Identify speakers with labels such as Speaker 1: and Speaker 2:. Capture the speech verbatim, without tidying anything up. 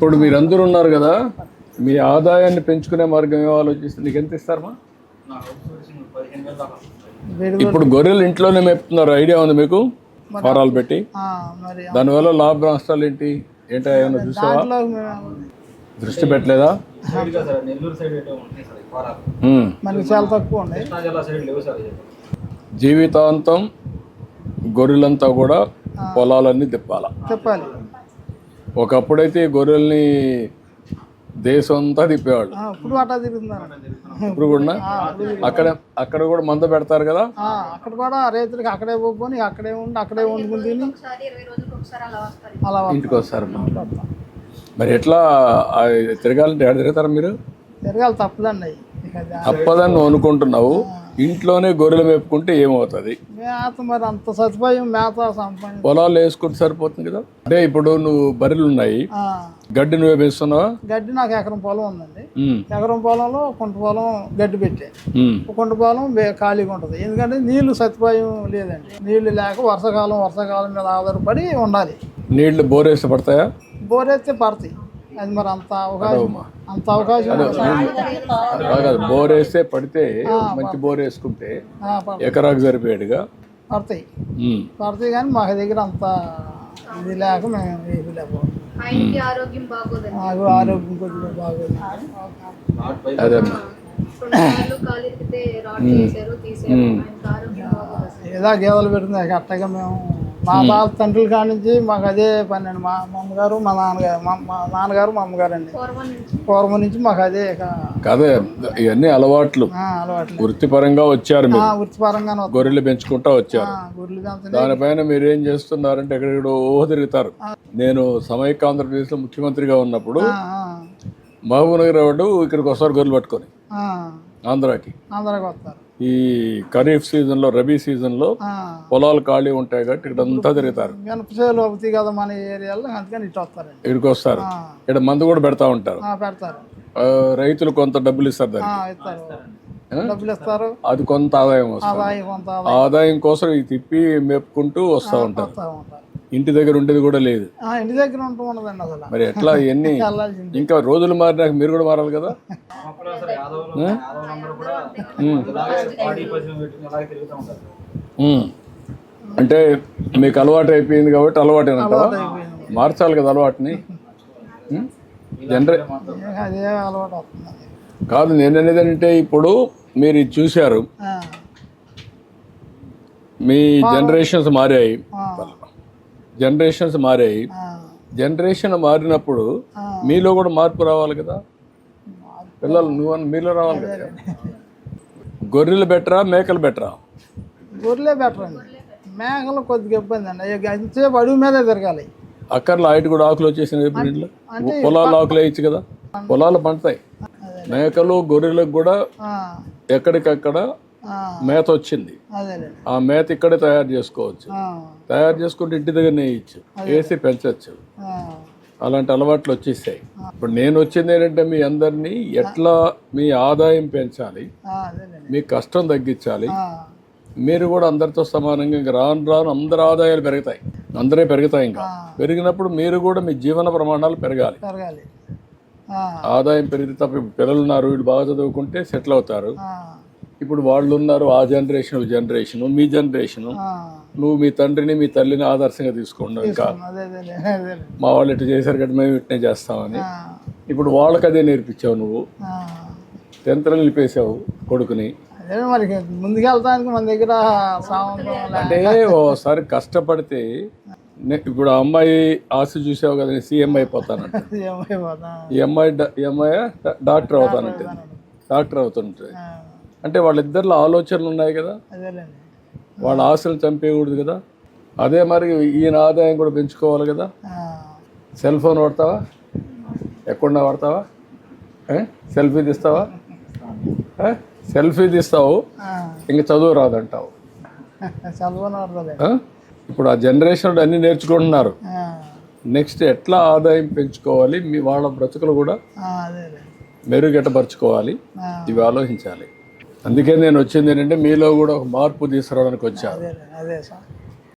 Speaker 1: ఇప్పుడు మీరందరూ ఉన్నారు కదా, మీ ఆదాయాన్ని పెంచుకునే మార్గం ఏమో ఆలోచిస్తే నీకు ఎంత ఇస్తారమ్మా? ఇప్పుడు గొర్రెలు ఇంట్లోనే మేపుతున్నారు, ఐడియా ఉంది మీకు? ఫారాలు పెట్టి దానివల్ల లాభ నష్టాలు ఏంటి ఏంటో ఏమైనా చూసావా? దృష్టి పెట్టలేదా?
Speaker 2: చాలా తక్కువ.
Speaker 1: జీవితాంతం గొర్రెలంతా కూడా పొలాలన్నీ తిప్పాల
Speaker 2: చెప్పాలి.
Speaker 1: ఒకప్పుడైతే ఈ గొర్రెల్ని దేశం అంతా తిప్పేవాళ్ళు,
Speaker 2: ఇప్పుడు అట్లా తిరుగుతున్నారు.
Speaker 1: ఇప్పుడు కూడా అక్కడ అక్కడ కూడా మంద పెడతారు కదా,
Speaker 2: అక్కడ కూడా రైతులకి అక్కడే పోని అక్కడే ఉండి అక్కడే వండుకుని తిని అలా
Speaker 1: ఇంటికి వస్తారు. మరి ఎట్లా తిరగాలంటే ఎక్కడ తిరుగుతారు మీరు?
Speaker 2: తిరగాలి, తప్పదండి.
Speaker 1: తప్పదని నువ్వు అనుకుంటున్నావు. ఇంట్లోనే గొర్రెలు మేపుకుంటే ఏమవుతుంది?
Speaker 2: మేత మరి అంత సదుపాయం మేత సంపాదన
Speaker 1: పొలాలు వేసుకుంటే సరిపోతుంది కదా. అంటే ఇప్పుడు నువ్వు బర్రెలు ఉన్నాయి, గడ్డి నువ్వే వేస్తున్నావా?
Speaker 2: గడ్డి నాకు ఎకరం పొలం ఉందండి. ఎకరం పొలంలో కుంట పొలం గడ్డి పెట్టే, కుంట పొలం ఖాళీగా ఉంటుంది. ఎందుకంటే నీళ్లు సదుపాయం లేదండి. నీళ్లు లేక వర్షాకాలం వర్షాకాలం మీద ఆధారపడి ఉండాలి.
Speaker 1: నీళ్లు బోరేస్తే పడతాయా?
Speaker 2: బోరేస్తే పడతాయి. అది మరి అంత అవకాశం అంత అవకాశం
Speaker 1: బోర్ వేస్తే పడితే మంచి బోర్ వేసుకుంటే ఎకరాకు సరిపోయాడుగా
Speaker 2: పడతాయి పడతాయి కానీ మాకు దగ్గర అంత ఇది లేక మేము వేయలేకపోతాం. నాకు ఆరోగ్యం కొద్దిగా బాగోదు.
Speaker 1: అదే
Speaker 2: ఏదో గేదెలు పెడుతుంది అట్టగా మేము మా తాత తండ్రుల కాడి నుంచి మాకు అదే పని అండి. మా అమ్మగారు మా నాన్నగారు మా నాన్నగారు మా అమ్మగారు అండి పూర్వం నుంచి మాకు అదే
Speaker 1: కదే. ఇవన్నీ అలవాట్లు
Speaker 2: అలవాట్లు
Speaker 1: వృత్తిపరంగా వచ్చారు,
Speaker 2: వృత్తిపరంగా
Speaker 1: గొర్రెలు పెంచుకుంటా వచ్చారు. దానిపైన మీరు ఏం చేస్తున్నారంటే ఎక్కడెక్కడో తిరుగుతారు. నేను సమైక్య ఆంధ్రప్రదేశ్ లో ముఖ్యమంత్రిగా ఉన్నప్పుడు మహబూబ్ నగర్ వాడు ఇక్కడికి వస్తారు గొర్రెలు పట్టుకొని ఆంధ్రాకి.
Speaker 2: ఆంధ్రాకి వస్తారు.
Speaker 1: ఈ ఖరీఫ్ సీజన్ లో, రబీ సీజన్ లో పొలాలు ఖాళీ ఉంటాయి కాబట్టి ఇక్కడ అంతా తిరుగుతారు.
Speaker 2: అవుతాయి కదా మన ఏరియాలో, అందుకని ఇటు వస్తారు.
Speaker 1: ఇక్కడికి వస్తారు. ఇక్కడ మందు కూడా పెడతా ఉంటారు.
Speaker 2: పెడతారు.
Speaker 1: రైతులు కొంత డబ్బులు ఇస్తారు,
Speaker 2: దానికి డబ్బులు ఇస్తారు.
Speaker 1: అది కొంత ఆదాయం వస్తుంది. ఆదాయం కోసం ఇది తిప్పి మేపుకుంటూ వస్తూ ఉంటారు. ఇంటి దగ్గర ఉండేది కూడా లేదు.
Speaker 2: ఇంటి దగ్గర ఉంటూ ఉండదండి అసలు.
Speaker 1: మరి ఎట్లా ఇవన్నీ ఇంకా రోజులు మారినాక మీరు కూడా మారాలి కదా. అంటే మీకు అలవాటు అయిపోయింది కాబట్టి అలవాటు అంటావా? మార్చాలి కదా అలవాటుని. జనరే కాదు, నేను అనేది అంటే ఇప్పుడు మీరు ఇది చూశారు, మీ జనరేషన్స్ మారాయి, జనరేషన్స్ మారాయి. జనరేషన్ మారినప్పుడు మీలో కూడా మార్పు రావాలి కదా. పిల్లలు నువ్వు మీలో రావాలి కదా. గొర్రెలు బెటరా మేకలు బెటరా?
Speaker 2: గొర్రెలే బెటర్ అండి. మేకలు కొద్దిగా ఇబ్బంది అండి. అంతసేపు అడుగు మీదే తిరగాలి.
Speaker 1: అక్కర్లో హైట్ కూడా ఆకులు వచ్చేసినాయి. పొలాలు ఆకులు వేయచ్చు కదా, పొలాలు పండుతాయి. మేకలు గొర్రెలకు కూడా ఎక్కడికక్కడ మేత వచ్చింది. ఆ మేత ఇక్కడే తయారు చేసుకోవచ్చు. తయారు చేసుకుంటే ఇంటి దగ్గర వేయచ్చు, వేసి పెంచవచ్చు. అలాంటి అలవాట్లు వచ్చేసాయి. ఇప్పుడు నేను వచ్చింది ఏంటంటే మీ అందరినీ ఎట్లా మీ ఆదాయం పెంచాలి, మీ కష్టం తగ్గించాలి. మీరు కూడా అందరితో సమానంగా ఇంకా రాను రాను అందరి ఆదాయాలు పెరుగుతాయి, అందరే పెరుగుతాయి. ఇంకా పెరిగినప్పుడు మీరు కూడా మీ జీవన ప్రమాణాలు పెరగాలి. ఆదాయం పెరిగితే తప్ప పిల్లలు ఉన్నారు, వీళ్ళు బాగా చదువుకుంటే సెటిల్ అవుతారు. ఇప్పుడు వాళ్ళు ఉన్నారు, ఆ జనరేషన్ జనరేషన్ మీ జనరేషన్, నువ్వు మీ తండ్రిని మీ తల్లిని ఆదర్శంగా తీసుకున్నావు. ఇంకా మా వాళ్ళు ఇట్లా చేశారు కాబట్టి మేము ఇట్నే చేస్తామని ఇప్పుడు వాళ్ళకి అదే నేర్పించావు. నువ్వు టెన్త్లో నిలిపేసావు కొడుకుని.
Speaker 2: ముందుకెళ్తానికి మన దగ్గర
Speaker 1: అంటే ఓసారి కష్టపడితే ఇప్పుడు ఆ అమ్మాయి ఆశ చూసావు కదా, నేను సీఎం అయిపోతానంట. ఈ అమ్మాయి ఈ అమ్మాయి డాక్టర్ అవుతానంటే డాక్టర్ అవుతుంటే అంటే వాళ్ళిద్దరిలో ఆలోచనలు ఉన్నాయి కదా, వాళ్ళ ఆశలు చంపేయకూడదు కదా. అదే మరి ఈయన ఆదాయం కూడా పెంచుకోవాలి కదా. సెల్ ఫోన్ వాడతావా? ఎక్కడ వాడతావా? సెల్ఫీ తీస్తావా? సెల్ఫీ తీస్తావు, ఇంకా చదువు రాదంటావు. ఇప్పుడు ఆ జనరేషన్ అన్ని నేర్చుకుంటున్నారు. నెక్స్ట్ ఎట్లా ఆదాయం పెంచుకోవాలి, మీ వాళ్ళ బ్రతుకులు కూడా మెరుగెట్టపరుచుకోవాలి, ఇవి ఆలోచించాలి. అందుకే నేను వచ్చింది ఏంటంటే మీలో కూడా ఒక మార్పు తీసుకురావడానికి వచ్చాను.